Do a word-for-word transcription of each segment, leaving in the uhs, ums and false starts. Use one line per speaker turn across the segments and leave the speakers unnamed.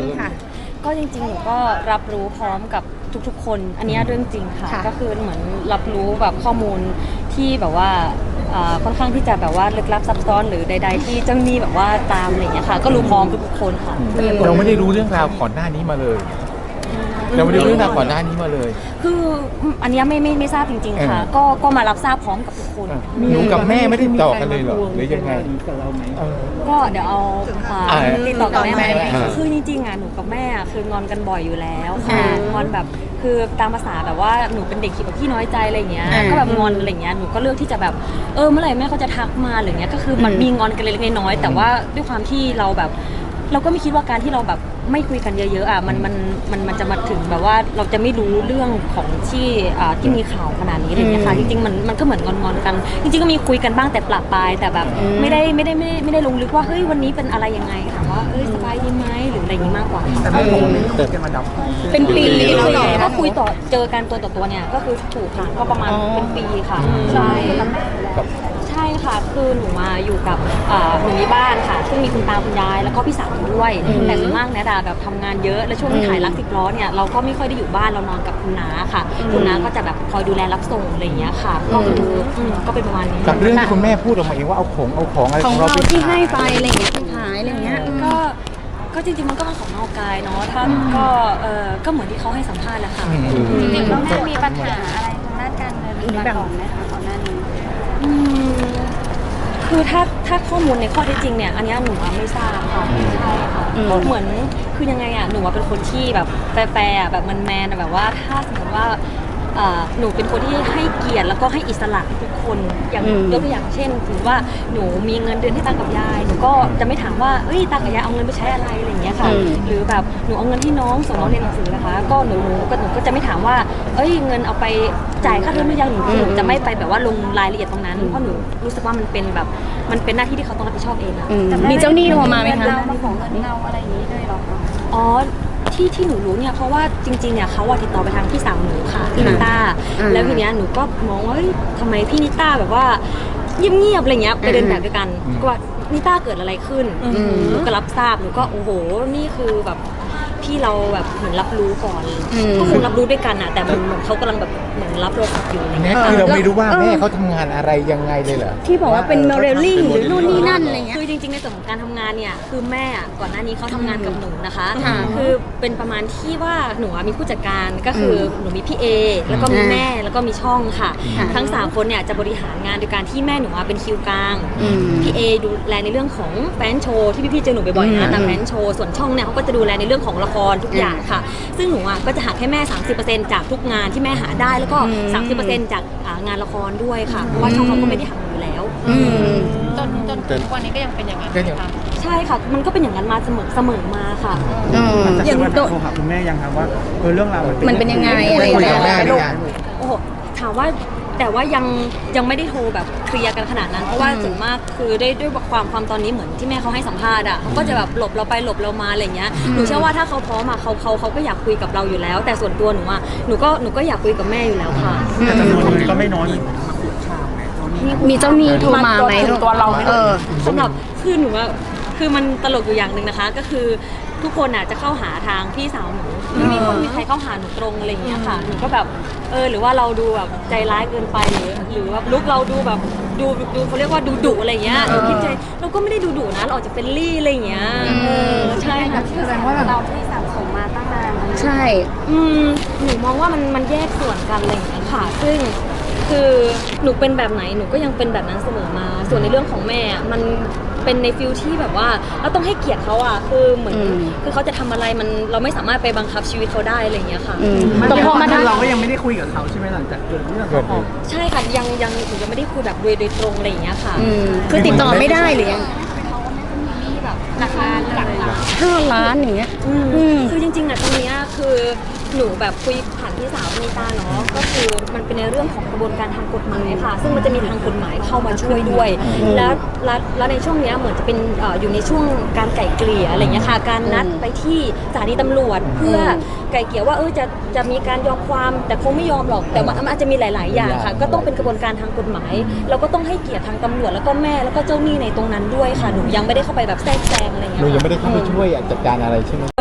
งค่ะ
ก็จริงๆหนูก็รับรู้พร้อมกับทุกๆคนอันนี้เรื่องจริงค่ะก็คือเหมือนรับรู้แบบข้อมูลที่แบบว่าค่อนข้างที่จะแบบว่าลึกลับซับซ้อนหรือใดๆที่เจ้าหนี้แบบว่าตามอะไรอย่างเงี้ยค่ะก็รู้พร้อมทุกๆคนค่ะ
เราไม่ได้รู้เรื่องราวก่อนหน้านี้มาเลยเราไม่ได้รู้เรื่องราวก่อนหน้านี้มาเลย
คืออันนี้ไม่ไม่ไม่ทราบจริงๆค่ะก็ก็มารับทราบพร้อมกับทุกคน
หนูกับแม่ไม่ได้ต่อกันเลยเหรอหรือยังไง
ก็เดี๋ยวเอาติดต่อกับแม่ไหมคือจริงๆอ่ะหนูกับแม่คืองอนกันบ่อยอยู่แล้วคืองอนแบบคือตามภาษาแบบว่าหนูเป็นเด็กขี้ขี้น้อยใจอะไรเงี้ยก็แบบงอนอะไรเงี้ยหนูก็เลือกที่จะแบบเออเมื่อไหร่แม่เขาจะทักมาอะไรเงี้ยก็คือมันมีงอนกันเล็กๆน้อยๆแต่ว่าด้วยความที่เราแบบเราก็ไม่คิดว่าการที่เราแบบไม่คุยกันเยอะๆอ่ะมันมันมันมันจะมาถึงแบบว่าเราจะไม่รู้เรื่องของที่อ่าที่มีข่าวขนาดนี้อะไรเงี้ยค่ะจริงๆมันมันก็เหมือนงอนๆกันจริงๆก็มีคุยกันบ้างแต่ปละปลายแต่แบบไม่ได้ไม่ได้ไม่ได้ไม่ได้ลงลึกว่าเฮ้ยวันนี้เป็นอะไรยังไงค่ะว่าเอ้ยสบายดีไหมหรืออะไรอย่างนี้มากกว่า
แต่ไม่ลงไม่คุยกันมาดับ
เป็นปีเลยก็คุยต่อเจอกันตัวต่อตัวเนี่ยก็คือถูกค่ะก็ประมาณเป็นปีค่ะใช่ใช่ค่ะคือหนูมาอยู่กับหนูมีบ้านค่ะซึ่งมีคุณตาคุณยายแล้วก็พี่สาวด้วยแต่ส่วนมากเนี่ยดาแบบทำงานเยอะและช่วงที่ถ่ายรักสิบล้อเนี่ยเราก็ไม่ค่อยได้อยู่บ้านเรานอนกับคุณน้าค่ะคุณน้าก็จะแบบคอยดูแลรับส่งอะไรอย่างเงี้ยค่ะก็คือก็เป็นประมาณนี้
กับเรื่องที่คุณแม่พูดออกมาเองว่าเอาของเอาของอะไร
ของเราที่ให้ไปอะไรอย่างเงี้ยไปขายอะไรเงี้ย
ก็ก็จริงๆมันก็เป็นของนอกกายเนาะถ้าก็เออก็เหมือนที่เขาให้สัมภาษณ์แหละค่ะ
จริงๆแล้วแม่มีปัญหาอะไรทางด้านการเงินมาก่อนไหมคะก่อนหน้านี้
คือถ้าถ้าข้อมูลในข้อเท็จจริงเนี่ยอันนี้หนูไม่ทราบค่ะใช่ค่ะเหมือนคือยังไงอ่ะหนูเป็นคนที่แบบแปรๆแบบมันแมนแบบว่าถ้าสมมติว่าหนูเป็นคนที่ให้เกียรติแล้วก็ให้อิสระทุกคนอย่างยกตัวอย่างเช่นถือว่าหนูมีเงินเดือนให้ตากับยายหนูก็จะไม่ถามว่าเอ้ยตากับยายเอาเงินไปใช้อะไรอะไรอย่างเงี้ยค่ะหรือแบบหนูเอาเงินที่น้องส่งน้องเรียนหนังสือนะคะก็หนูก็หนูก็จะไม่ถามว่าเอ้ยเงินเอาไปจ่ายค่าเทอมหรือยังหนูหนูจะไม่ไปแบบว่าลงรายละเอียดตรงนั้นเพราะหนูรู้สึกว่ามันเป็นแบบมันเป็นหน้าที่ที่เขาต้องรับผิดชอบเองอะ
มีเจ้าหนี้โทรมาไหมคะ
เรามาขอเงินเราอะไรอย่างนี้ด้วยหรอคะ
อ๋อที่ที่หนูรู้เนี่ยเพราะว่าจริงๆเนี่ยเขาติดต่อไปทางพี่สาวหนูค่ะพี่นิต้าแล้วทีเนี้ยหนูก็มองว่าทำไมพี่นิต้าแบบว่าเงียบๆอะไรเงี้ยไปเดินแบบด้วยกันก็ว่านิต้าเกิดอะไรขึ้นหนูก็รับทราบหนูก็โอ้โหนี่คือแบบพี่เราแบบเหมือนรับรู้ก่อนก็คงรับรู้ด้วยกันอะแต่เหมือนเขากำลังแบบเหมือนรับโทรศัพท์อยู่อะไรเงี้ย
คือเราไม่รู้ว่าแม่เขาทำงานอะไรยังไงเลยเหรอ
ที่บอกว่าเป็นโมเดลลิ่งหรือนู่นนี่นั่นอะไรเงี้ย
คือจริงๆในส่วนของการทำงานเนี่ยคือแม่ก่อนหน้านี้เขาทำงานกับหนูนะคะคือเป็นประมาณที่ว่าหนูมีผู้จัดการก็คือหนูมีพี่เอแล้วก็มีแม่แล้วก็มีช่องค่ะทั้งสามคนเนี่ยจะบริหารงานโดยการที่แม่หนูเป็นคิวกลางพี่เอดูแลในเรื่องของแฟนโชว์ที่พี่ๆเจอหนูบ่อยๆนะตามแฟนโชว์ส่วนช่องเนี่ยเขาก็จะดูแลในเรื่องของละครทุกอย่างค่ะซึ่งหนูอ่ะก็จะหักให้แม่ สามสิบเปอร์เซ็นต์ จากทุกงานที่แม่หาได้แล้วก็ สามสิบเปอร์เซ็นต์ จากงานละครด้วยค่ะเพราะว่าช่องเขาก็ไม่ได้หักอยู่แล้ว
จนจนถึงวันนี้ก็ยังเป็นอย่างนั้นค่ะ
ใช่ค่ะมันก็เป็นอย่างนั้นมาเสมอเสมอมาค่ะ
อย่างโทรหาคุณแม่ยังครับว่าเออเรื่องราว
มันเป็นยังไงอะไรอย่างเงี้ย
โอ้โหถามว่าแต่ว่ายังยังไม่ได้โทรแบบเคลียร์กันขนาดนั้นเพราะว่าส่วนมากคือได้ด้วยความความตอนนี้เหมือนที่แม่เขาให้สัมภาษณ์อ่ะเขาก็จะแบบหลบเราไปหลบเรามาอะไรเงี้ยหนูเชื่อว่าถ้าเขาพร้อมอ่ะเขาเขาเขาก็อยากคุยกับเราอยู่แล้วแต่ส่วนตัวหนูอ่ะหนูก็หนูก็อยากคุยกับแม่อยู่แล้วค่ะ
แต่จำนวนเงินก็ไม่น้อย
มีเจ้าหนี้โทรมาไหม
ตัวเรา
เออ
สำหรับคือหนูว่าคือมันตลกอยู่อย่างหนึ่งนะคะก็คือทุกคนอ่ะจะเข้าหาทางพี่สาวหนูไม่มีคนมีใครเข้าหาหนูตรงอะไรอย่างเงี้ยค่ะหนูก็แบบเออหรือว่าเราดูแบบใจร้ายเกินไปหรือหรือว่าลุกเราดูแบบดูดูเขาเรียกว่าดูดุอะไรเงี้ยเราคิดใจเราก็ไม่ได้ดูดุนะเราอาจจะเป็นลี่อะไรอย่างเงี้ยเออใช่ค่ะ
แสดงว่าเราที่สะสมมาตั้งนาน
ใช่
อืมหนูมองว่ามันมันแยกส่วนกันอะไรอย่างเงี้ยค่ะซึ่งคือหนูเป็นแบบไหนหนูก็ยังเป็นแบบนั้นเสมอมาส่วนในเรื่องของแม่มันเป็นในฟิลที่แบบว่าเราต้องให้เกียรติเขาอ่ะคือเหมือนคือเขาจะทำอะไรมันเราไม่สามารถไปบังคับชีวิตเขาได้อะไรอย่างเงี้ยค่ะ
แต่พอมาเราก็ยังไม่ได้คุยกับเขาใช่ไหมหลังจากเกิดเรื่องเขา
ใช่ค่ะยังยังหนูยังไม่ได้คุยแบบโดยโดยตรงอะไรอย่างเงี้ยค่ะ
คือติดต่อไม่ได้หรือยัง
แบบหลักล้านหลักล้าน
ห้าล้านอย่างเงี้ย
คือจริงๆอ่ะตรงเนี้ยคือหนูแบบคุยผ่านพี่สาวนิตาเนาะก็คือมันเป็นในเรื่องของกระบวนการทางกฎหมายค่ะซึ่งมันจะมีทางกฎหมายเข้ามาช่วยด้วยแล้วแล้วในช่วงนี้เหมือนจะเป็นอยู่ในช่วงการไก่เกลี่ยอะไรเงี้ยค่ะการนัดไปที่สถานีตำรวจเพื่อไก่เกลี่ยว่าเออจะจะมีการยอมความแต่คงไม่ยอมหรอกแต่มันอาจจะมีหลายๆอย่างค่ะก็ต้องเป็นกระบวนการทางกฎหมายเราก็ต้องให้เกียรติทางตำรวจแล้วก็แม่แล้วก็เจ้าหนี้ในตรงนั้นด้วยค่ะหนูยังไม่ได้เข้าไปแบบแทรกแซงอะไรเงี้ย
หนูยังไม่ได้เข้าไปช่วยจัดการอะไรใช่ไหม
เอ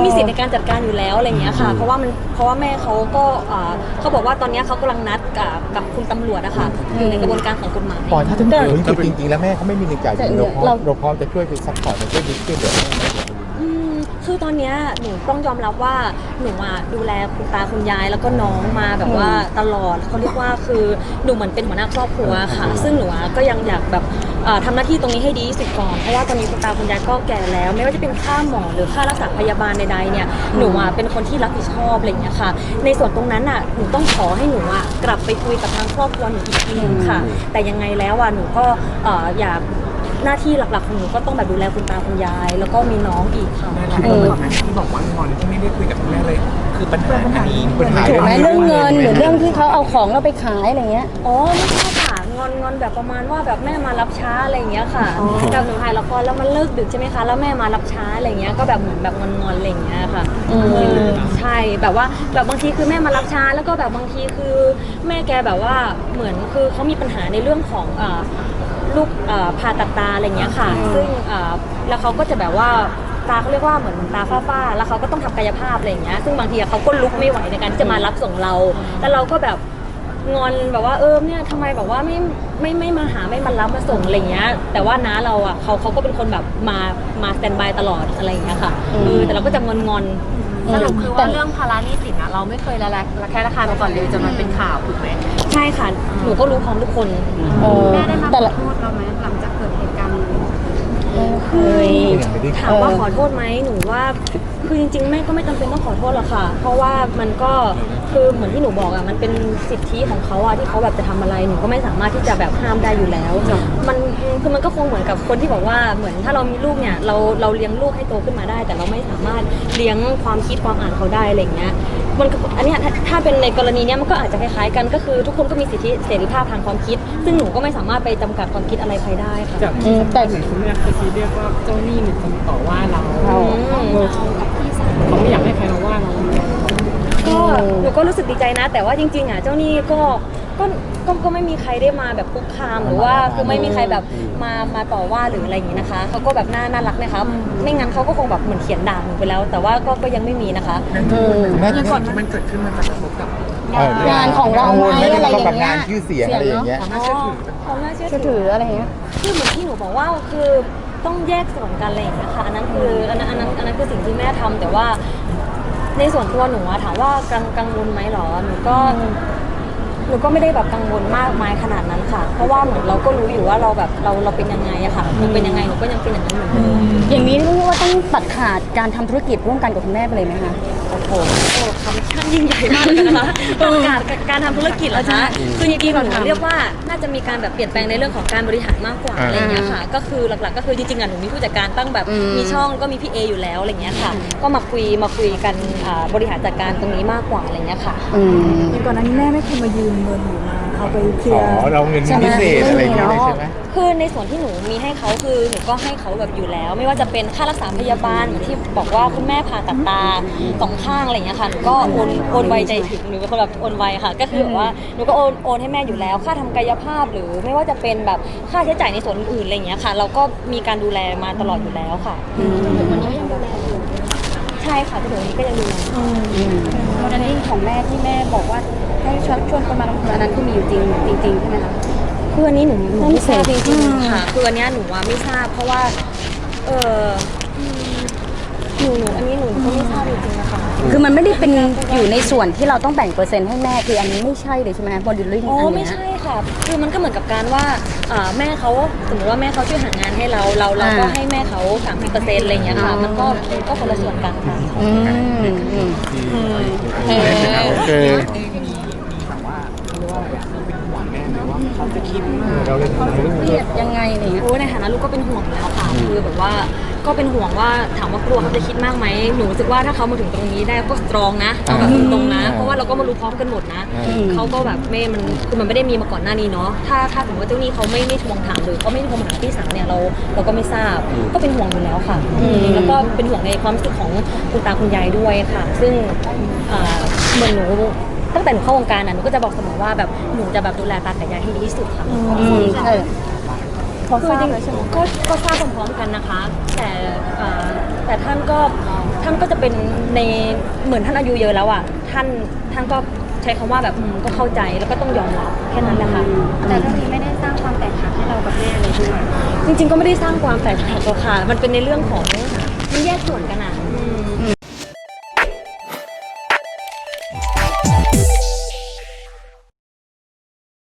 มีสิทธิ์ในการจัดการอยู่แล้วอะไรอย่างเงี้ยค่ะเพราะว่ามันเพราะว่าแม่เขาก็อ่าเขาบอกว่าตอนเนี้ยเขากำลังนัดกับกับคุณตำรวจอะค่ะอยู่ในกระบวนการของกฎหมาย
ปอยถ้าถึงจริงจริงๆแล้วแม่เขาไม่มีเงินจ่ายเราพร้อมเราพร้อมจะช่วยไปซัพพอร์ตช่วยดิช่วยเหลือ
อืมคือตอนเนี้ยหนูต้องยอมรับว่าหนูอ่ะดูแลคุณตาคุณยายแล้วก็น้องมาแบบว่าตลอดเขาเรียกว่าคือหนูเหมือนเป็นหัวหน้าครอบครัวค่ะ ซึ่งหนูอ่ะก็ยังอยากแบบเอ่อทำหน้าที่ตรงนี้ให้ดีที่สุดก่อนเพราะว่าตอนนี้คุณตาคุณยายก็แก่แล้ว ไม่ว่าจะเป็นค่าหมอหรือค่ารักษาพยาบาลใดๆเนี่ยหนูอ่ะเป็นคนที่รับผิดชอบอะไรอย่างเงี้ยค่ะ ในส่วนตรงนั้นอ่ะหนูต้องขอให้หนูอ่ะกลับไปคุยกับทางครอบครัวหนูอีกทีนึงค่ะ แต่ยังไงแล้วอ่ะหนูก็เอ่ออยากหน้าที่หลักๆของหนูก็ต้องแบบดูแลคุณตาคุณยาย แล้วก็มีน้องอีกค่ะ
เออที่บอกว่างอนที่ไม่ได้คุยกับคุณแม่เลย คือปัญหาอันนี้
ปัญหา
ถูกไหมเรื่องเงินหรือเรื่องที่เขาเอาของเราไปขายอะไรเงี้ย
อ๋อไม่ใช่ค่ะงอนงอนแบบประมาณว่าแบบแม่มารับช้าอะไรอย่างเงี้ยค่ะแบบหนูถ่ายละครแล้วมันเลิกดึกใช่ไหมคะแล้วแม่มารับช้าอะไรเงี้ยก็แบบเหมือนแบบงอนงอนอะไรอย่างเงี้ยค่ะ
อืม
เออใช่แบบว่าแบบบางทีคือแม่มารับช้าแล้วก็แบบบางทีคือแม่แกแบบว่าเหมือนคือเขามีปัญหาในเรื่องของอ่าลูกอ่าผ่าตัดตาอะไรเงี้ยค่ะ ซึ่งอ่าแล้วเขาก็จะแบบว่าตาเขาเรียกว่าเหมือนตาฝ้าๆแล้วเขาก็ต้องทำกายภาพอะไรอย่างเงี้ยซึ่งบางทีเขาก็ลุกไม่ไหวในการที่จะมารับส่งเราแล้วเราก็แบบงอนแบบว่าเออเนี่ยทำไมแบบว่าไม่ไม่ไม่มาหาไม่มารับมาส่งอะไรเงี้ยแต่ว่าน้าเราอ่ะเขาเขาก็เป็นคนแบบมามาสแตนบายตลอดอะไรอย่างเงี้ยค่ะเออแต่เราก็จะงอนงอน
สรุปคือว่าเรื่องภาระหนี้สินอะเราไม่เคยละละละแค่ราคามาก่อนเลยจนมันเป็นข่าวถูกไหม
ใช่ค่ะหนูก็รู้พร้อมทุกคน
เออ
แม่ได้มาข
แต่
อ
ละ
โทษเราไหมหลังจากเกิดเหตุการณ์นี้
เฮ้ย
ถามว่าขอโทษไหมหนูว่าคือจริงๆแม่ก็ไม่จำเป็นต้องขอโทษหรอกค่ะ เพราะว่ามันก็คือเหมือนที่หนูบอกอะมันเป็นสิทธิของเขาอะที่เขาแบบจะทำอะไรหนูก็ไม่สามารถที่จะแบบห้ามได้อยู่แล้วมันคือมันก็คงเหมือนกับคนที่บอกว่าเหมือนถ้าเรามีลูกเนี่ยเราเราเลี้ยงลูกให้โตขึ้นมาได้ แต่เราไม่สามารถเลี้ยงความคิดความอ่านเขาได้อะไรอย่างเงี้ยมันก็อันเนี้ยถ้าถ้าเป็นในกรณีเนี้ยมันก็อาจจะคล้ายๆกันก็คือทุกคนก็มีสิทธิเสรีภาพทางความคิด ซึ่งหนูก็ไม่สามารถไปจำกัดความคิดอะไรใครได้ค่ะ
จาก
อืมแต่
เหมือนคุณแม่เคยซีเรียกว่าเจ้าหนี้มีคนต่อว่าเรา
เรา
เขาไม่อยากให้ใครมาว่าเรา
ก็หนูก็รู้สึกดีใจนะ แต่ว่าจริงๆอ่ะเจ้าหนี้ก็ก็ก็ก็ไม่มีใครได้มาแบบคุกคามหรือว่าคือไม่มีใครแบบมามาต่อว่าหรืออะไรอย่างนี้นะคะเขาก็แบบน่าน่ารักนะคะไม่งั้นเขาก็คงแบบเหมือนเขียนด่าหนูไปแล้ว แต่ว่าก็ก็ยังไม่มีนะคะ
อืม
แม่
เรื่องก่อนที่มันเกิดขึ้นมันจะกระทบกับ
งานของเราไหมอะไรอย่างเงี้ย
กับงานชื่อเสียงอะไรอย่างเงี้ย
อ๋อความน่าเชื่อ
เชื่อ
ถื
ถื
อ
ออะไรเงี้ย
คือเหมือนที่หนูบอกว่าคือต้องแยกส่วนกันอะไรอย่างเงี้ยค่ะอันนั้นคืออันนั้นอันนั้นอันนั้นคือสิ่งที่แม่ทำแต่ว่าในส่วนตัวหนูอะถามว่ากังกังวลไหมหรอหนูก็หนูก็ไม่ได้แบบกังวลมากมายขนาดนั้นค่ะ เพราะว่าเหมือนเราก็รู้อยู่ว่าเราแบบเราเราเป็นยังไงอะค่ะหนูเป็นยังไงหนูก็ยังเป็นอย่างนั้นเหมือนเดิม
อย่างนี้เรียกว่าต้องตัดขาดการทำธุรกิจร่วมกันกับคุณแม่ไปเลยไหมคะ
โอ้โหโอ้คำช่างยิ่งใหญ่มากเลยนะคะการการทำธุรกิจเหรอคะคือจริงๆหนูเรียกว่าน่าจะมีการแบบเปลี่ยนแปลงในเรื่องของการบริหารมากกว่าอะไรอย่างเงี้ยค่ะ ก็คือหลักๆก็คือจริงๆอ่ะหนูมีผู้จัดการตั้งแบบมีช่องก็มีพี่เออยู่แล้วอะไรเงี้ยค่ะ ก็มาคุยมาคุยกันอ่าบริหารจัดการตรงนี้มากกว่าอะไรเงี้ยค่ะ
อืม
อย่างก่อนหน้านี้แม่ไม่เคยมายืมเงินหนูมาเอาไปเคลี
อ๋
ย
อ
ร์
เราเงินพิเศษอะไรอย่างเงี้ยเลยใช่ไหม
คือในส่วนที่หนูมีให้เขาคือหนูก็ให้เขาแบบอยู่แล้ว ไม่ว่าจะเป็นค่ารักษาพยาบาลเหมือนที่บอกว่าคุณแม่ผ่าตัดตาสองข้างอะไรอย่างเงี้ยค่ะหนูก็โอนโอนไวใจถึงหนูเป็นคนแบบโอนไวค่ะ ก็คือแบบว่าหนูก็โอนโอนให้แม่อยู่แล้ว ค่าทำกายภาพหรือไม่ว่าจะเป็นแบบค่าใช้จ่ายในส่วนอื่นๆอะไรอย่างเงี้ยค่ะ เราก็มีการดูแลมาตลอดอยู่แล้วค่ะใช่ค่ะจนถึงวันนี้ก็ยังดูแล
โมเดลลิ่งของแม่ที่แม่บอกว่าให้ชวนชวนคนมาลงทุนอันนั้นคือมีอยู่จริงจริงๆใช่ไหมคะ
คืออันนี้หนูหนูไม่ทราบจริง
อืม
ๆค่ะคืออันเนี้ยหนูว่าไม่ทราบเพราะว่าเอออืมหนูหนูอันนี้หนูก็ไม่ทราบจริงๆนะคะ
คือมันไม่ได้เป็นอยู่ในส่วนที่เราต้องแบ่งเปอร์เซ็นต์ให้แม่คืออันนี้ไม่ใช่เลยใช่ไหมโมเดลลิ่ง
อ๋อ
อัน
ไม่
เนี้ย
ใช่ค่ะ คือมันก็เหมือนกับการว่าอ่าแม่เขาสมมติว่าแม่เขาช่วยหางานให้เราเราเราก็
อ่า
ให้แม่เขาสามสิบเปอร์เซ็นต์อะไรอย่างเงี้ยค่ะ มันก็มันก็คนละส่วนกันค่ะ
อืมอืม
โอเค
เขาจะคิด
เราเลย
เครียดยังไงอะไรเงี้ย
โอ้ในฐานะลูกก็เป็นห่วงอยู่แล้วค่ะ คือแบบว่าก็เป็นห่วงว่าถามว่ากลัวเขาจะคิดมากไหมหนูรู้สึกว่าถ้าเขามาถึงตรงนี้ได้ก็สตรองนะเอาแบบตรงๆนะ เพราะว่าเราก็มารู้พร้อมกันหมดนะ เขาก็แบบไม่มันคือมันไม่ได้มีมาก่อนหน้านี้เนาะ ถ้าถ้าสมมติว่าเจ้าหนี้เขาไม่ไม่ทวงถามหรือเขาไม่โทรมาหาพี่สาวเนี่ยเราเราก็ไม่ทราบ ก็เป็นห่วงอยู่แล้วค่ะอืมแล้วก็เป็นห่วงในความรู้สึกของคุณตาคุณยายด้วยค่ะ ซึ่งอ่าเหมือนหนูตั้งแต่หนูเข้าวงการน่ะหนูก็จะบอกเสมอว่าแบบหนูจะแบบดูแลตากับยายให้ดีที่สุดค่ะ
อืมใช่
เขาทราบ
คือจริง
เลยใช่ไหม
ก็ก็ทราบพร้อมๆกันนะคะ แต่เอ่อแต่ท่านก็ท่านก็จะเป็นในเหมือนท่านอายุเยอะแล้วอ่ะท่านท่านก็ใช้คำว่าแบบอืมก็เข้าใจแล้วก็ต้องยอมรับแค่นั้นแหละค่ะ
แต่เรื่องนี้ไม่ได้สร้างความแตกหักให้เรากับแม่เลยใช่ไหม
จริงๆก็ไม่ได้สร้างความแตกหักหรอกค่ะ มันเป็นในเรื่องของมันแยกส่วนกันอ่ะ